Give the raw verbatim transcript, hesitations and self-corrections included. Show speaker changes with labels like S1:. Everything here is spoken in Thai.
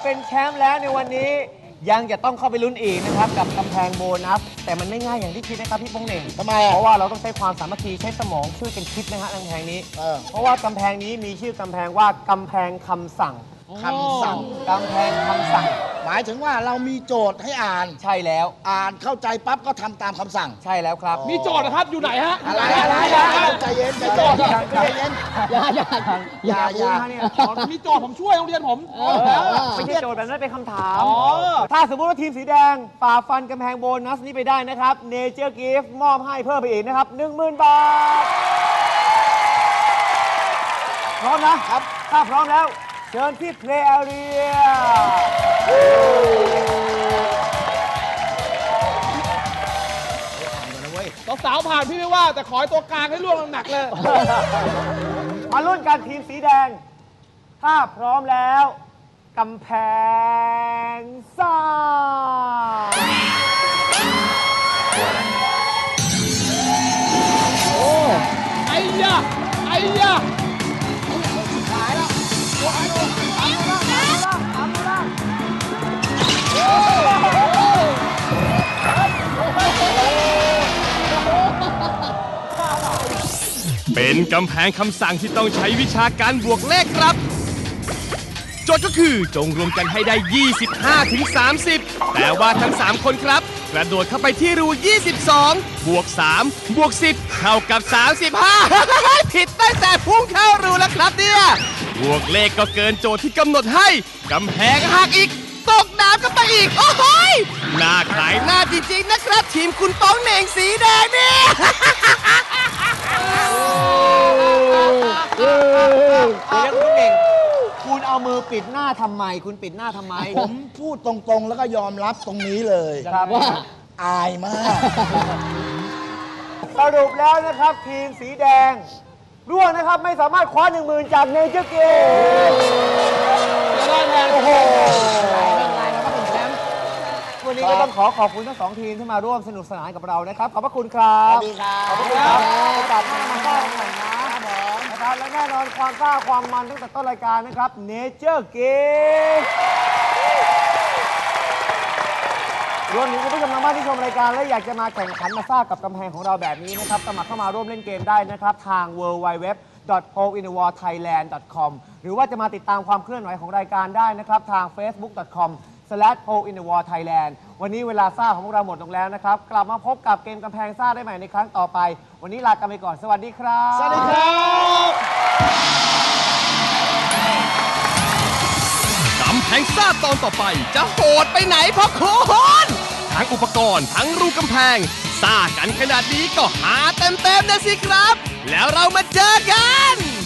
S1: เป็นแชมป์แล้วในวันนี้ยังจะต้องเข้าไปลุ้นอีกนะครับกับกำแพงโบนัสแต่มันไม่ง่ายอย่างที่คิดนะครับพี่โป้งเหน่งทำไมเพราะว่าเราต้องใช้ความสามัคคีใช้สมองช่วยกันคิดนะฮะกำแพงนี้เพราะว่ากำแพงนี้มีชื่อกำแพงว่ากำแพงคำสั่ง
S2: คำสั่ง
S1: กำแพงคำสั่ง
S2: หมายถึงว่าเรามีโจทย์ให้อ่าน
S1: ใช่แล้ว
S2: อ่านเข้าใจปั๊บก็ทำตามคำสั่ง
S1: ใช่แล้วครับ
S3: มีโจทย์นะครับอยู่ไหนฮะ
S2: อะไรอะไรใจเย็นใจเย็นใจเย็น
S1: อย่าอย่า
S2: อย่าอย่า
S3: เนี่ยมีโจทย์ผมช่วยโรงเรียนผม
S1: ไม่ใช่โจทย์แบบนั้นเป็นคำถามถ้าสมมติว่าทีมสีแดงฝ่าฟันกำแพงโบนัสนี้ไปได้นะครับเนเจอร์กิฟต์มอบให้เพิ่มไปอีกนะครับหนึ่งหมื่นบาทพร้อมนะครับถ้าพร้อมแล้วเชิญที่เพลย์แอเรีย
S3: สาวผ่านพี่ไม่ว่าแต่ขอให้ตัวกลางให้ร่วงหนักเลย
S1: มาลุ้นกันทีมสีแดงถ้าพร้อมแล้วกำแพงซ่า
S3: โอ้ไอ้ยะไอ้ยะ
S4: เป็นกำแพงคำสั่งที่ต้องใช้วิชาการบวกเลขครับโจทย์ก็คือจงรวมกันให้ได้ ยี่สิบห้าถึงสามสิบ แต่ว่าทั้งสามคนครับกระโดดเข้าไปที่รู ยี่สิบสอง บวก สาม บวก สิบ เท่ากับ สามสิบห้า ผิดตั้งแต่พุ่งเข้ารูแล้วครับเนี่ยบวกเลขก็เกินโจทย์ที่กำหนดให้กำแพงหักอีกตกน้ำกันไปอีกโอ้โหน่าขายหน้าจริงๆนะครับทีมคุณป้องเหน่งสีแดงเนี่ย
S1: เดี๋ยวคุณเก่งคุณเอามือปิดหน้าทำไมคุณปิดหน้าทำไม
S2: ผมพูดตรงๆแล้วก็ยอมรับตรงนี้เลยว่าอายมาก
S1: สรุปแล้วนะครับทีมสีแดงร่วงนะครับไม่สามารถคว้าหนึ่งหมื่นจากเนเจอร์เกม
S3: จะได้แทน
S1: โอ้โหวันนี้ก็ต้องขอขอบคุณทั้งสองทีมที่มาร่วมสนุกสนานกับเรานะครับขอบพระคุณครับ
S2: สวัสดีครับ
S1: ขอบคุณครับโอกาสหน้ามาได้กันใหม่นะนะครับและแน่นอนความกล้าความมันตั้งแต่ต้นรายการนะครับเนเจอร์เกมรวมถึงคุณผู้ชมทางบ้านที่ชมรายการและอยากจะมาแข่งขันมาซ่ากับกำแพงของเราแบบนี้นะครับสมัครเข้ามาร่วมเล่นเกมได้นะครับทาง ดับเบิลยู ดับเบิลยู ดับเบิลยู ดอท โพล อิน เดอะ วอร์ ไทยแลนด์ ดอท คอม หรือว่าจะมาติดตามความเคลื่อนไหวของรายการได้นะครับทาง เฟซบุ๊ก ดอท คอม สแลช โพล อิน เดอะ วอร์ ไทยแลนด์ วันนี้เวลาซ่าของพวกเราหมดลงแล้วนะครับกลับมาพบกับเกมกำแพงซ่าได้ใหม่ในครั้งต่อไปวันนี้ลากันไปก่อนสวัสดีครับ
S3: สวัสดีครับ
S4: กำแพงซ่าตอนต่อไปจะโหดไปไหนพ่อคุณทั้งอุปกรณ์ทั้งรูกำแพงซ่ากันขนาดนี้ก็หาเต็มๆนะสิครับแล้วเรามาเจอกัน